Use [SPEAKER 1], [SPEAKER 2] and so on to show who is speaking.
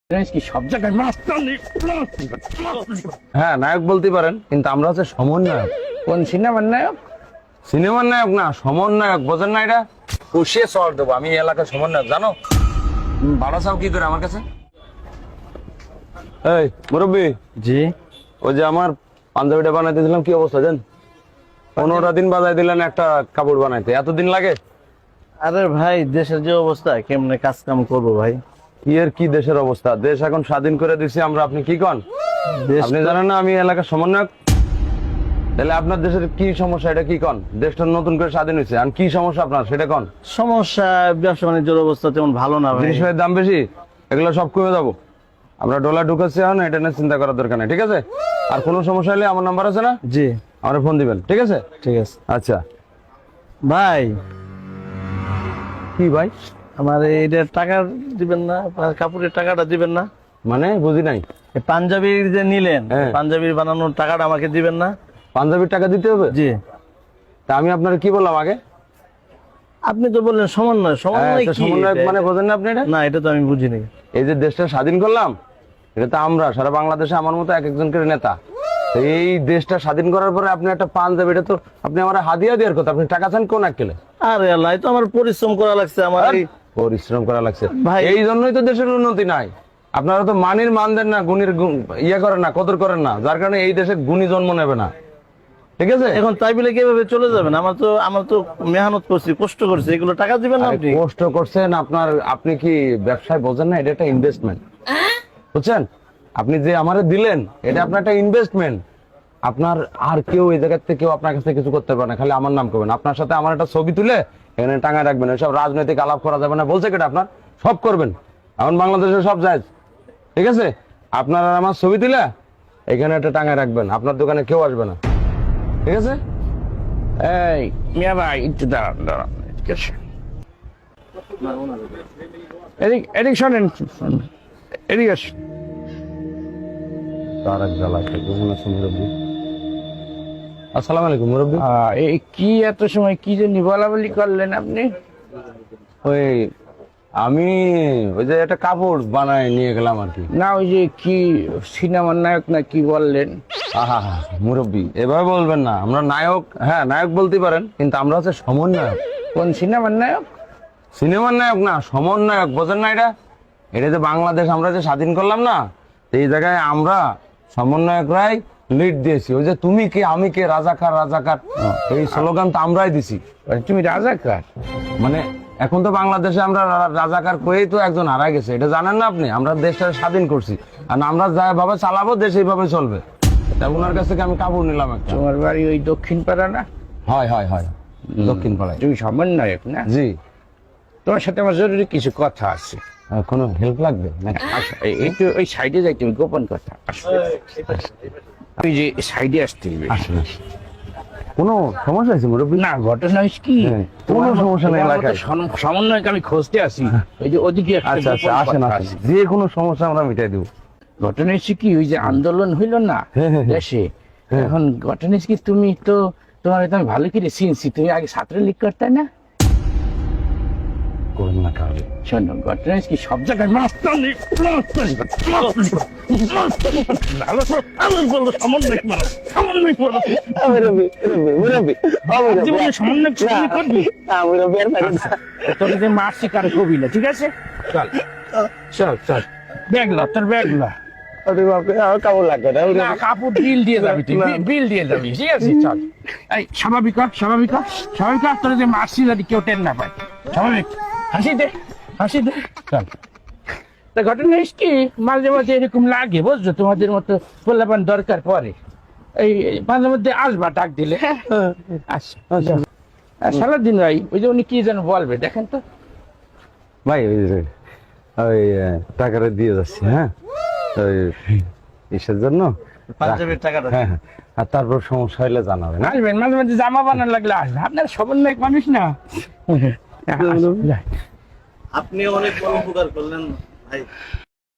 [SPEAKER 1] কি সব জায়গায় মাস্তানি?
[SPEAKER 2] হ্যাঁ, নায়ক বলতে পারেন, কিন্তু আমরা হচ্ছে সমন্বয়ক।
[SPEAKER 1] কোন সিনেমার নায়ক?
[SPEAKER 2] সিনেমার নায়ক না, সমন্বয়ক। বোঝেন না এটা? পুষিয়ে চল দেবো আমি এই এলাকার সমন্বয়ক, জানো? ভাড়া চাও কি করে আমার কাছে? এই মুরব্বী,
[SPEAKER 1] জি
[SPEAKER 2] ওই যে আমার পাঞ্জাবিটা বানাইতে দিলাম, কি অবস্থা জান? 15টা দিন বাজাই দিলেন একটা কাপড় বানাইতে, এতদিন লাগে?
[SPEAKER 1] আরে ভাই, দেশের যে অবস্থা, কেমনে কাজ কাম করবো ভাই?
[SPEAKER 2] কি এর কি দেশের অবস্থা? দেশ এখন স্বাধীন করে দিছি আমরা, আপনি কি কন? আপনি জানেন না আমি এলাকার সমন্বয়ক? তাহলে আপনার দেশের কি সমস্যা এটা কি কন? দেশটা নতুন করে স্বাধীন হয়েছে, আর কি সমস্যা আপনার সেটা কন।
[SPEAKER 1] সমস্যা, ব্যবসা বাণিজ্যের অবস্থা তেমন ভালো না ভাই।
[SPEAKER 2] জিনিসের দাম বেশি, এগুলো সব কমে যাবো। আমরা ডলার ঢুকাচ্ছি এখন, এটা নিয়ে চিন্তা করার দরকার নেই, ঠিক আছে? আর কোনো সমস্যা হলে আমার নাম্বার আছে না,
[SPEAKER 1] জি
[SPEAKER 2] আমার ফোন দিবেন, ঠিক আছে?
[SPEAKER 1] ঠিক আছে
[SPEAKER 2] আচ্ছা।
[SPEAKER 1] ভাই।
[SPEAKER 2] কি ভাই?
[SPEAKER 1] আমার এইটা টাকা দিবেন না? আপনার কাপড়ের টাকাটা দিবেন না?
[SPEAKER 2] মানে বুঝি নাই।
[SPEAKER 1] এই পাঞ্জাবির যে নিলেন,
[SPEAKER 2] হ্যাঁ।
[SPEAKER 1] পাঞ্জাবির বানানোর টাকাটা আমাকে দিবেন না?
[SPEAKER 2] পাঞ্জাবির টাকা দিতে হবে?
[SPEAKER 1] জি।
[SPEAKER 2] তা আমি আপনার কি বললাম আগে?
[SPEAKER 1] আপনি তো বললেন সমন্বয়। সমন্বয়
[SPEAKER 2] তো
[SPEAKER 1] কি?
[SPEAKER 2] সমন্বয়ক
[SPEAKER 1] এটা?
[SPEAKER 2] মানে বোঝেন না আপনি এটা?
[SPEAKER 1] না, এটা তো আমি বুঝিনি।
[SPEAKER 2] এই যে দেশটা স্বাধীন করলাম, এটা তো আমরা সারা বাংলাদেশে আমার মতো এক একজন করে নেতা। তো এই দেশটা স্বাধীন করার পরে আপনি একটা পাঞ্জাবি, এটা তো আপনি আমার হাদিয়া দেওয়ার কথা, আপনি টাকা চান কোন আক্কেলে?
[SPEAKER 1] আরে আল্লাহ, এই তো আমার পরিশ্রম করা লাগছে আমার
[SPEAKER 2] পরিশ্রম করা লাগছে
[SPEAKER 1] ভাই।
[SPEAKER 2] এই জন্যই তো দেশের উন্নতি নাই। আপনারা তো মানির মান দেন না, গুণীর ইয়ে করেন না, কদর করেন না, যার কারণে এই দেশে গুণী জন্ম নেবে না, ঠিক আছে?
[SPEAKER 1] এখন তাই বলে কিভাবে চলে যাবেন? আমার তো মেহনত করছি, কষ্ট করছি, এগুলো টাকা দিবেন না
[SPEAKER 2] আরে
[SPEAKER 1] আপনি?
[SPEAKER 2] কষ্ট করছেন আপনার, আপনি কি ব্যবসায় বোঝেন না? এটা একটা ইনভেস্টমেন্ট, বুঝছেন? আপনি যে আমারে দিলেন, এটা আপনার একটা ইনভেস্টমেন্ট। আপনার আর কেউ এই জায়গার থেকে কেউ আপনার কাছে কিছু করতে পারে না, খালি আমার নাম করবেন। আপনার সাথে আমার একটা ছবি তুলে এখানে টাঙায় রাখবেন, এসব রাজনৈতিক আলাপ করা যাবে না বলছে কেটা? আপনার সব করবেন, এখন বাংলাদেশে সব যায়, ঠিক আছে? আপনার আর আমার ছবি তুলে এখানে একটা টাঙায় রাখবেন, আপনার দোকানে কেউ আসবে না, ঠিক আছে?
[SPEAKER 1] এই মিয়া ভাই, একটু দাঁড়ান দাঁড়ান, ঠিক আছে? এদিক শোনেন, এদিক আসুন।
[SPEAKER 2] তার এক জ্বালা আছে, বুঝুন আছে মুরব্বী। আসসালামু আলাইকুম মুরব্বী।
[SPEAKER 1] এই কি এত সময় কি জন্য বলা বলি করলেন আপনি?
[SPEAKER 2] ওই আমি ওই যে একটা কাপড় বানায় নিয়ে গেলাম আর কি।
[SPEAKER 1] না, ওই যে কি সিনেমার নায়ক না কি বললেন?
[SPEAKER 2] আহা মুরব্বী, এভাবে বলবেন না। আমরা নায়ক, হ্যাঁ নায়ক বলতে পারেন, কিন্তু আমরা হচ্ছে সমন্বয়ক।
[SPEAKER 1] কোন সিনেমার নায়ক?
[SPEAKER 2] সিনেমার নায়ক না, সমন্বয়ক। বোঝেন না এটা? এটা যে বাংলাদেশ আমরা যে স্বাধীন করলাম না, এই জায়গায় আমরা সমন্বয়করাই লিড দিয়েছি। ওই যে তুমি কে আমি কে, রাজাকার রাজাকার, এই স্লোগান তো আমরাই দিছি।
[SPEAKER 1] তুমি রাজাকার?
[SPEAKER 2] মানে এখন তো বাংলাদেশে আমরা রাজাকার করেই তো একজন হারা গেছে, এটা জানেন না আপনি? আমরা দেশটা স্বাধীন করছি, আর আমরা যেভাবে চালাবো দেশ এইভাবে চলবে। তা ওনার কাছ থেকে আমি কাপড় নিলাম একটা।
[SPEAKER 1] তোমার বাড়ি ওই দক্ষিণ পাড়া না?
[SPEAKER 2] হয় হয় হয়, দক্ষিণ পাড়ায়।
[SPEAKER 1] তুমি সমন্বয়ক না?
[SPEAKER 2] জি।
[SPEAKER 1] তোমার সাথে আমার জরুরি কিছু কথা আছে।
[SPEAKER 2] কোনো হেল্প লাগবে নাকি?
[SPEAKER 1] আচ্ছা, একটু ওই সাইডে যাই, তুমি গোপন কথা। ওই যে সাইডে আসতে হবে।
[SPEAKER 2] আসুন আসুন। কোনো সমস্যা আছে মুরব্বী?
[SPEAKER 1] না, ঘটনা হচ্ছে কি,
[SPEAKER 2] হ্যাঁ, কোনো সমস্যা নেই এলাকায়।
[SPEAKER 1] সমন্বয়ক আমি খুঁজতে আসি। ওই যে ওদিকে একটা
[SPEAKER 2] আচ্ছা আচ্ছা,
[SPEAKER 1] গোপন
[SPEAKER 2] আসেন
[SPEAKER 1] কথা
[SPEAKER 2] আসেন,
[SPEAKER 1] আছে।
[SPEAKER 2] যে কোনো সমস্যা আমরা মিটাই দেবো।
[SPEAKER 1] ঘটনা হচ্ছে কি, ওই যে আন্দোলন হইল না
[SPEAKER 2] হ্যাঁ, হ্যাঁ, হ্যাঁ।
[SPEAKER 1] দেশে,
[SPEAKER 2] হ্যাঁ।
[SPEAKER 1] এখন ঘটনা হচ্ছে কি, তুমি তো তোমার আমি ভালো করে চিনছি, তুমি আগে ছাত্রলীগ করতে না?
[SPEAKER 2] করুন না কাজ।
[SPEAKER 1] শোনো, ঘটনা হচ্ছে কি, সব জায়গায় মাস্তানি, মাস্তানি, মাস্তানি, মাস্তানি। ভালো তো আমার বললো সমন্বয়ক মারো, সমন্বয়ক মারো। জীবনে সমন্বয়ক করবি? তোকে যে মারছি কারো কবি না, ঠিক আছে? চল চল চল, ব্যাগ ল, তোর ব্যাগ ল।
[SPEAKER 2] কাপড় লাগবে না।
[SPEAKER 1] না, কাপড় বিল দিয়ে যাবি তুই, বিল দিয়ে যাবি, ঠিক আছে? চল, এই স্বাভাবিক হ, স্বাভাবিক হ, স্বাভাবিক হ, তোর যে মারছি যদি কেউ টেন না পায়, স্বাভাবিক। হাসি দে, হাসি দে, চল। তা ঘটনা হচ্ছে কি, মাঝে মাঝে এরকম লাগে, বুঝছো? তোমাদের মতো পোলাপান দরকার পড়ে, এই মাঝে মধ্যে আসবা ডাক দিলে, হ্যাঁ? আচ্ছা। আর সারাদিন ভাই, ওই যে উনি কি যেন বলবে, দেখেন তো।
[SPEAKER 2] ভাই ওই যে ওই টাকাটা দিয়ে যাচ্ছি, হ্যাঁ ওই ইসের জন্য,
[SPEAKER 1] পাঞ্জাবের টাকাটা।
[SPEAKER 2] হ্যাঁ হ্যাঁ। আর তারপর সমস্যা হলে জানাবেন।
[SPEAKER 1] আসবেন, মাঝে মাঝে জামা বানানো লাগলে আসবেন, আপনার সমন্বয়ক মানুষ না?
[SPEAKER 3] আপনি অনেক বড় উপকার করলেন ভাই।